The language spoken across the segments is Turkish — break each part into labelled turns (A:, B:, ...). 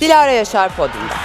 A: Dilara Yaşar podyumda.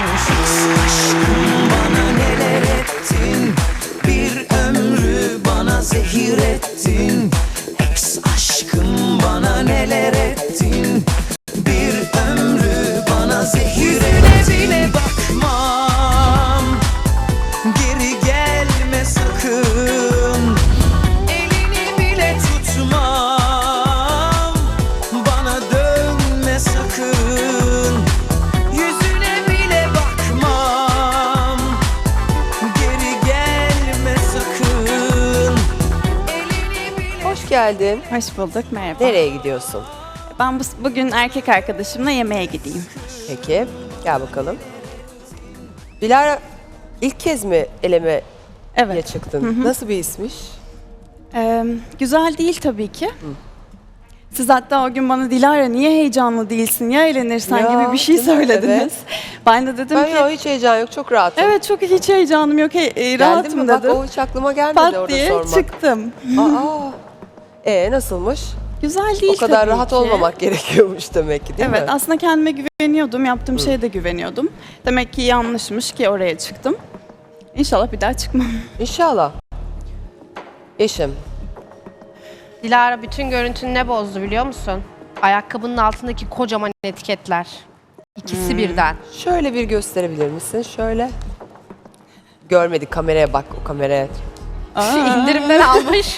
B: Bana neler ettin, bir ömrü bana zehir ettin. Ex aşkım bana neler ettin, bir ömrü bana zehir ettin. Bile bakmam, geri gelme sakın. Elini bile tutmam, bana dönme sakın. Yüzüne bile bakmam, geri gelme sakın. Elini bile...
A: Hoş geldin.
C: Hoş bulduk, merhaba.
A: Nereye gidiyorsun?
C: Ben bugün erkek arkadaşımla yemeğe gideyim.
A: Peki, gel bakalım. Dilara ilk kez mi elemeye
C: Evet.
A: çıktın? Nasıl bir ismiş?
C: Güzel değil tabii ki. Siz hatta o gün bana Dilara niye heyecanlı değilsin ya eğlenirsen
A: Ya,
C: gibi bir şey
A: değil mi?
C: söylediniz.
A: Evet.
C: Ben de dedim
A: Ben
C: ki
A: yok, hiç heyecan yok, çok rahatım.
C: evet çok hiç heyecanım yok,
A: Geldin
C: rahatım
A: mi? Bak
C: dedim.
A: o hiç aklıma gelmedi
C: Pat
A: orada
C: diye
A: sormak.
C: çıktım.
A: Nasılmış?
C: Güzel değil
A: O kadar
C: tabii
A: rahat
C: ki.
A: olmamak gerekiyormuş demek ki, değil
C: Evet
A: mi?
C: aslında kendime güveniyordum, yaptığım şeye de güveniyordum. Demek ki yanlışmış ki oraya çıktım. İnşallah bir daha çıkmam.
A: İnşallah. Eşim.
D: Dilara bütün görüntünü ne bozdu biliyor musun? Ayakkabının altındaki kocaman etiketler. İkisi birden.
A: Şöyle bir gösterebilir misin? Şöyle. Görmedik, kameraya bak, o kameraya.
D: İndirimden almış.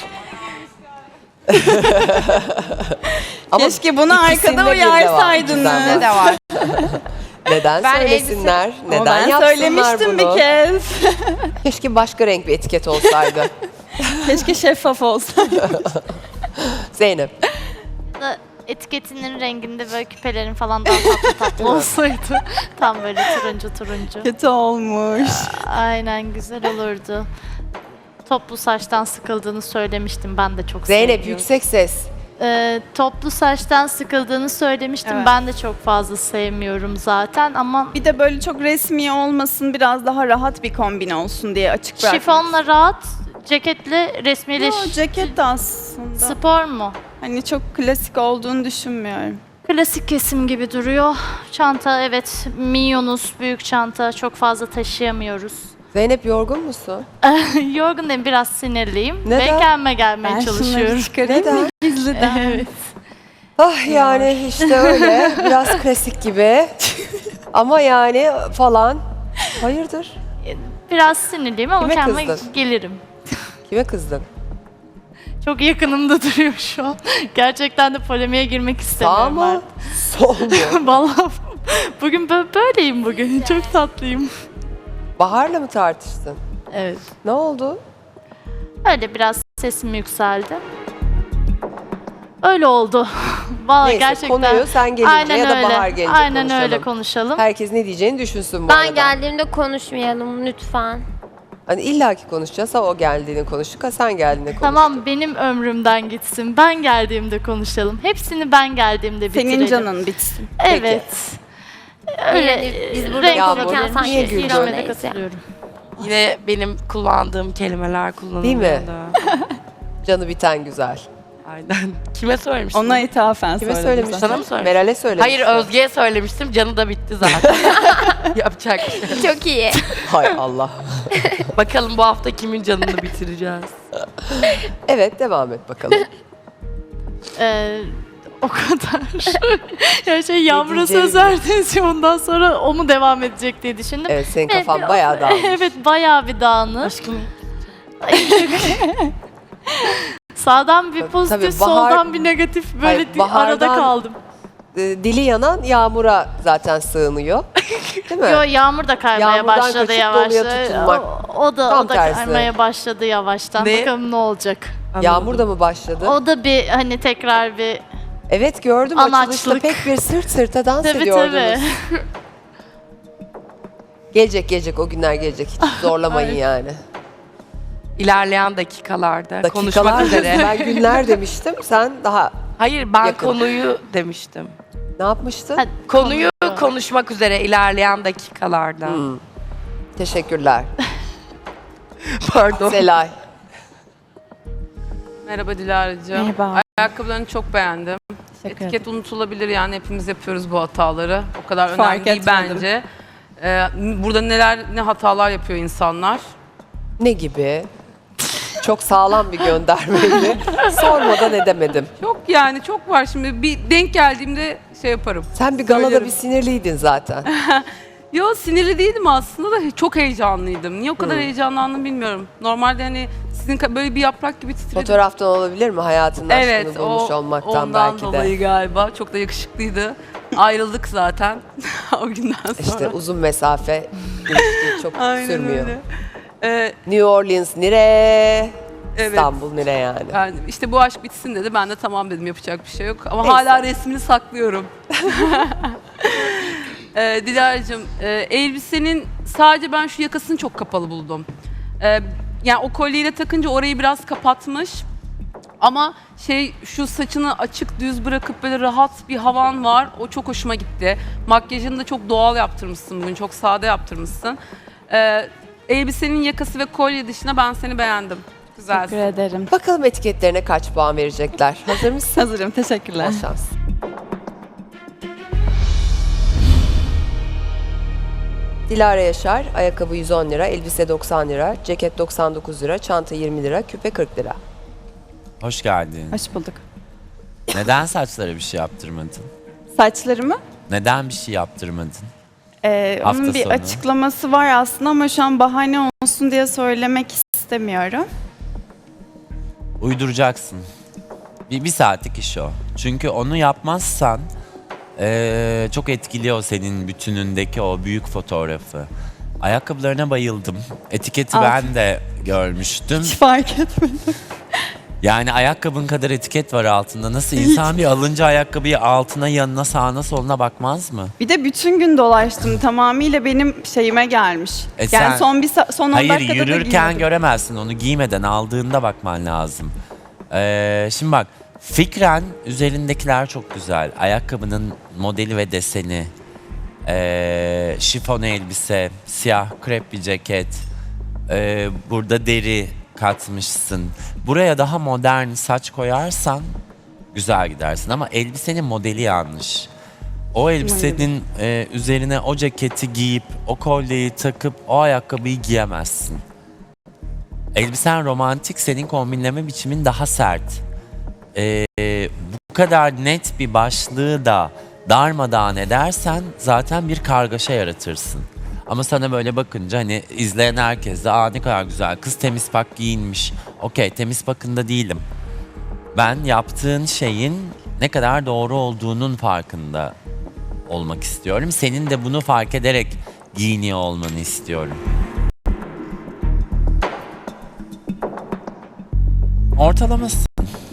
A: Ama
C: Keşke bunu
A: ikisinde
C: arkada
A: bir de var.
C: uyarsaydınız.
A: Güzel
D: Ne de var.
A: Neden
D: Ben
A: söylesinler? Neden
C: Ama ben
A: yapsınlar
C: söylemiştim
A: bunu?
C: bir kez.
A: Keşke başka renk bir etiket olsaydı.
C: Keşke şeffaf olsaydı.
A: Zeynep.
E: da etiketinin renginde böyle küpelerin falan daha tatlı tatlı olsaydı. Tam böyle turuncu.
C: Kötü olmuş.
E: Aynen güzel olurdu. Toplu saçtan sıkıldığını söylemiştim. Ben de çok
A: Zeynep
E: sevmiyorum.
A: yüksek ses.
E: Toplu saçtan sıkıldığını söylemiştim.
C: Evet.
E: Ben de çok fazla sevmiyorum zaten ama
C: Bir de böyle çok resmi olmasın, biraz daha rahat bir kombin olsun diye açık bırakmak.
E: şifonla rahat, ceketle
C: Yo,
E: resmileş.
C: ceket de aslında.
E: Spor mu?
C: Hani çok klasik olduğunu düşünmüyorum.
E: Klasik kesim gibi duruyor. Çanta evet, minyonuz, büyük çanta çok fazla taşıyamıyoruz.
A: Zeynep yorgun musun?
E: Yorgun değilim, biraz sinirliyim.
A: Neden?
E: Ve kendime gelmeye
C: Ben
E: çalışıyorum.
C: şunları çıkarayım
A: Neden?
C: mı gizliden?
E: Evet.
A: Ah yani işte öyle. Biraz klasik gibi. Ama yani falan. Hayırdır?
E: Biraz sinirliyim ama
A: Kime
E: kendime
A: kızdın?
E: gelirim.
A: Kime kızdın?
E: Çok yakınımda duruyor şu an. Gerçekten de polemiğe girmek
A: Sağ
E: istemiyorum.
A: mı? Sol mu?
E: Vallahi bugün böyleyim bugün. Çok tatlıyım.
A: Bahar'la mı tartıştın?
E: Evet.
A: Ne oldu?
E: Öyle biraz sesim yükseldi. Öyle oldu. Vallahi
A: Neyse,
E: gerçekten.
A: konuyu sen gelince ya da Bahar gelince
E: Aynen
A: konuşalım.
E: öyle konuşalım.
A: Herkes ne diyeceğini düşünsün bu arada.
F: Ben geldiğimde konuşmayalım lütfen.
A: Hani illaki konuşacağız, ha o geldiğini konuştuk, ha sen geldiğinde konuştuk.
E: Tamam benim ömrümden gitsin. Ben geldiğimde konuşalım. Hepsini ben geldiğimde bitirelim.
C: Senin canın bitsin.
E: Evet. Öyle
F: Yani biz burada
E: renk
A: Yağmur,
E: olabilir.
F: konuşurken
A: niye
F: sanki
A: güldün?
E: İrem'e de
F: Neyse.
E: katılıyorum.
G: Yine benim kullandığım kelimeler kullanılıyordu.
A: Değil mi? Canı biten güzel.
G: Aynen. Kime söylemiştim?
C: Ona ithafen
A: Kime
C: söyledim
A: söylemiştin?
G: Sana mı söylemiştim?
A: Meral'e söylemiştin.
G: Hayır, Özge'ye söylemiştim. Canı da bitti zaten. Yapacak bir şey yok.
F: Çok iyi.
A: Hay Allah.
G: Bakalım bu hafta kimin canını bitireceğiz.
A: Evet, devam et bakalım.
E: O kadar. Ya Yağmur'a
A: diyeceğimi
E: söz verdiniz ya ondan sonra o mu devam edecek diye düşündüm.
A: Evet, senin
E: Ve
A: kafan
E: biraz-
A: bayağı dağılmış.
E: Evet bayağı bir dağınık.
G: Aşkım
E: Sağdan bir pozitif,
A: Tabii Bahar-
E: soldan bir negatif böyle
A: Hayır,
E: arada
A: Bahar'dan-
E: kaldım.
A: Dili yanan Yağmur'a zaten sığınıyor. Değil mi?
E: Yo Yağmur da kaymaya
A: Yağmurdan
E: başladı
A: kaçıp
E: yavaş.
A: doluya tutunmak.
E: O da
A: Tam tersi.
E: kaymaya başladı yavaştan.
G: Ne?
E: Bakalım ne olacak.
A: Yağmur da mı başladı?
E: O da bir hani tekrar bir
A: Evet, gördüm
E: Anaçlık.
A: açılışta pek bir sırt sırta dans
E: tabii
A: ediyordunuz.
E: tabii.
A: Gelecek o günler gelecek. Hiç zorlamayın yani.
G: ilerleyen dakikalarda konuşmak
A: Dakikalar
G: üzere.
A: dedim, ben günler demiştim. Sen daha
G: Hayır, ben
A: Yakın.
G: konuyu demiştim.
A: ne yapmıştın?
E: Hadi.
G: Konuyu konuşmak üzere ilerleyen dakikalarda.
A: Teşekkürler.
G: Pardon.
A: Selay.
H: Merhaba Dilara'cığım.
C: Merhaba.
H: Ayakkabılarını çok beğendim.
C: Teşekkür
H: Etiket unutulabilir yani hepimiz yapıyoruz bu hataları. O kadar
C: Fark
H: önemli değil
C: etmedim.
H: bence. Burada ne hatalar yapıyor insanlar.
A: Ne gibi? Çok sağlam bir göndermeydi. Sormadan edemedim.
H: Çok var şimdi bir denk geldiğimde şey yaparım.
A: Sen bir galada
H: Söylerim.
A: bir sinirliydin zaten.
H: Yo sinirli değildim aslında da çok heyecanlıydım. Niye o kadar heyecanlandım bilmiyorum. Normalde hani sizin böyle bir yaprak gibi titredim.
A: Fotoğraftan olabilir mi? Hayatının
H: Evet,
A: aşkını bulmuş olmaktan
H: ondan
A: belki
H: dolayı
A: de.
H: galiba. Çok da yakışıklıydı. Ayrıldık zaten o günden sonra.
A: İşte uzun mesafe ilişki çok
H: Aynen
A: sürmüyor.
H: öyle.
A: New Orleans nire,
H: Evet.
A: İstanbul nire yani.
H: Yani işte bu aşk bitsin dedi. Ben de tamam dedim, yapacak bir şey yok. Ama
A: Neyse.
H: hala resmini saklıyorum. Dilara'cığım, elbisenin sadece ben şu yakasını çok kapalı buldum. Yani o kolyeyle takınca orayı biraz kapatmış. Ama şu saçını açık düz bırakıp böyle rahat bir havan var. O çok hoşuma gitti. Makyajını da çok doğal yaptırmışsın bugün. Çok sade yaptırmışsın. Elbisenin yakası ve kolye dışında ben seni beğendim. Güzelsin.
C: Teşekkür ederim.
A: Bakalım etiketlerine kaç puan verecekler. Hazır mısın?
C: Hazırım. Teşekkürler.
A: Bol şans. Dilara Yaşar, ayakkabı 110 lira, elbise 90 lira, ceket 99 lira, çanta 20 lira, küpe 40 lira.
I: Hoş geldin.
C: Hoş bulduk.
I: Neden saçlara bir şey yaptırmadın?
C: Saçlarımı?
I: Neden bir şey yaptırmadın?
C: Onun
I: Hafta
C: bir
I: sonu.
C: açıklaması var aslında ama şu an bahane olsun diye söylemek istemiyorum.
I: Uyduracaksın. Bir saatlik iş o. Çünkü onu yapmazsan çok etkiliyor senin bütünündeki o büyük fotoğrafı. Ayakkabılarına bayıldım. Etiketi ben de görmüştüm.
C: Hiç fark etmedim.
I: Yani ayakkabın kadar etiket var altında. Nasıl insan bir alınca ayakkabıyı altına, yanına, sağına, soluna bakmaz mı?
C: Bir de bütün gün dolaştım. Tamamıyla benim şeyime gelmiş.
I: E sen-
C: Yani son 10
I: Hayır,
C: dakikada da
I: yürürken
C: giymedim.
I: göremezsin onu, giymeden aldığında bakman lazım. Şimdi bak, fikren üzerindekiler çok güzel. Ayakkabının modeli ve deseni, şifon elbise, siyah krep bir ceket, burada deri katmışsın. Buraya daha modern saç koyarsan güzel gidersin ama elbisenin modeli yanlış. O elbisenin üzerine o ceketi giyip, o kolyeyi takıp o ayakkabıyı giyemezsin. Elbisen romantik, senin kombinleme biçimin daha sert. Bu kadar net bir başlığı da darmadağın edersen zaten bir kargaşa yaratırsın. Ama sana böyle bakınca hani izleyen herkes de ne kadar güzel kız temiz pak giyinmiş. Okey, temiz pakında değilim. Ben yaptığın şeyin ne kadar doğru olduğunun farkında olmak istiyorum. Senin de bunu fark ederek giyiniyor olmanı istiyorum. Ortalaması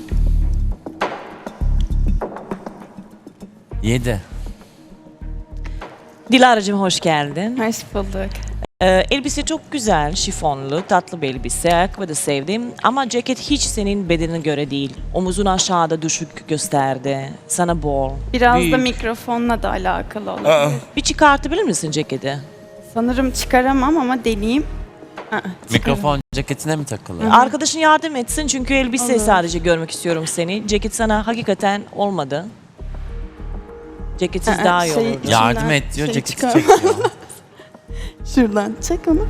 I: 7.
J: Dilara'cığım hoş geldin.
C: Hoş bulduk.
J: Elbise çok güzel, şifonlu, tatlı bir elbise. Ayakkabı da sevdim ama ceket hiç senin bedenine göre değil. Omuzun aşağıda düşük gösterdi. Sana bol,
C: Biraz
J: büyük.
C: da mikrofonla da alakalı olabilir.
J: Bir çıkartabilir misin ceketi?
C: Sanırım çıkaramam ama deneyeyim.
I: Mikrofon ceketine mi takılı?
J: Arkadaşın yardım etsin çünkü elbise
C: Olur.
J: sadece görmek istiyorum seni. Ceket sana hakikaten olmadı. Ceketsiz daha iyi olurdu.
I: Yardım et diyor,
C: Şey
I: ceketi
C: çıkar.
I: çekiyor.
C: Şuradan çek onu.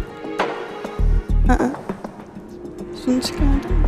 C: Şunu çıkardım.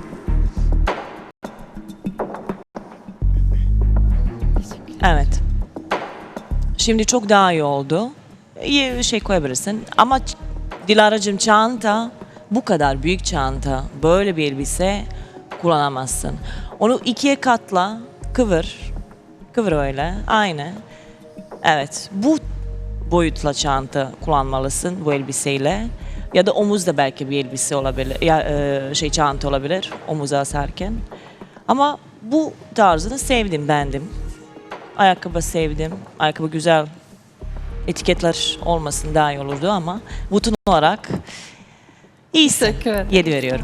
J: Evet. Şimdi çok daha iyi oldu. İyi bir şey koyabilirsin. Ama Dilara'cığım çanta, bu kadar büyük çanta, böyle bir elbise kullanamazsın. Onu ikiye katla, kıvır. Kıvır öyle, aynı. Evet, bu boyutla çanta kullanmalısın bu elbiseyle. Ya da omuzda belki bir elbise olabilir, ya çanta olabilir omuza asarken. Ama bu tarzını sevdim, beğendim. Ayakkabı sevdim. Ayakkabı güzel. Etiketler olmasın daha iyi olurdu ama bütün olarak iyisin.
C: Teşekkür ederim.
J: 7 veriyorum.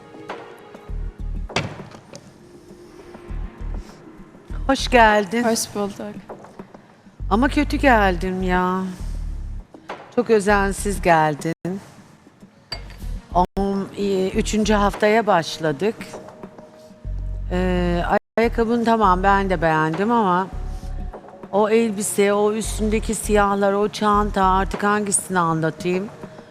K: Hoş geldin.
C: Hoş bulduk.
K: Ama kötü geldim ya. Çok özensiz geldin. Üçüncü haftaya başladık. Ayakkabın tamam ben de beğendim ama o elbise, o üstündeki siyahlar, o çanta artık hangisini anlatayım?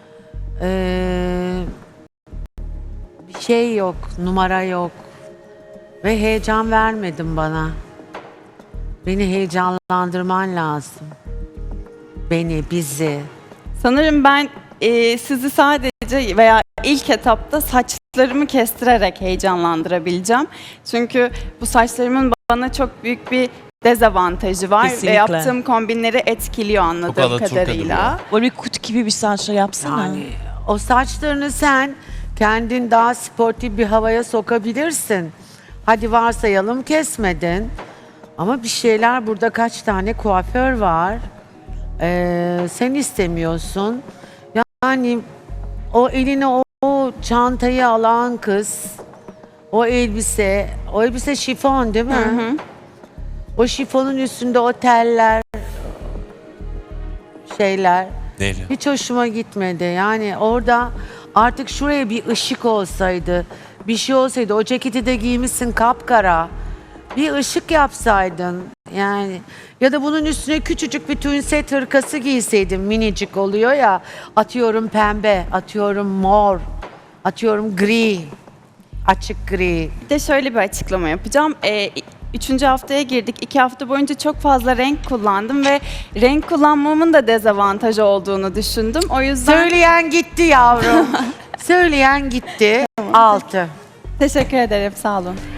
K: Bir şey yok, numara yok ve heyecan vermedin bana. Beni heyecanlandırman lazım. Beni, bizi.
C: Sanırım ben sizi sadece veya ilk etapta saçlarımı kestirerek heyecanlandırabileceğim. Çünkü bu saçlarımın bana çok büyük bir dezavantajı var
J: Kesinlikle.
C: ve yaptığım kombinleri etkiliyor anladığım
I: Alaturka
C: kadarıyla.
J: Böyle bir kutu gibi bir saçla yapsana.
K: Yani o saçlarını sen kendin daha sportif bir havaya sokabilirsin. Hadi varsayalım kesmedin. Ama bir şeyler burada kaç tane kuaför var. Sen istemiyorsun. Yani o eline o çantayı alan kız, o elbise şifon değil mi? O şifonun üstünde o teller, şeyler.
I: Deri.
K: Hiç hoşuma gitmedi. Yani orada artık şuraya bir ışık olsaydı, bir şey olsaydı, o ceketi de giymişsin kapkara. Bir ışık yapsaydın yani ya da bunun üstüne küçücük bir tünset hırkası giyseydin, minicik oluyor ya, atıyorum pembe, atıyorum mor, atıyorum gri, açık gri.
C: Bir de şöyle bir açıklama yapacağım. 3. haftaya girdik. 2 hafta boyunca çok fazla renk kullandım ve renk kullanmamın da dezavantajı olduğunu düşündüm. O yüzden
K: Söyleyen gitti yavrum. Söyleyen gitti. 6.
C: teşekkür ederim. Sağ olun.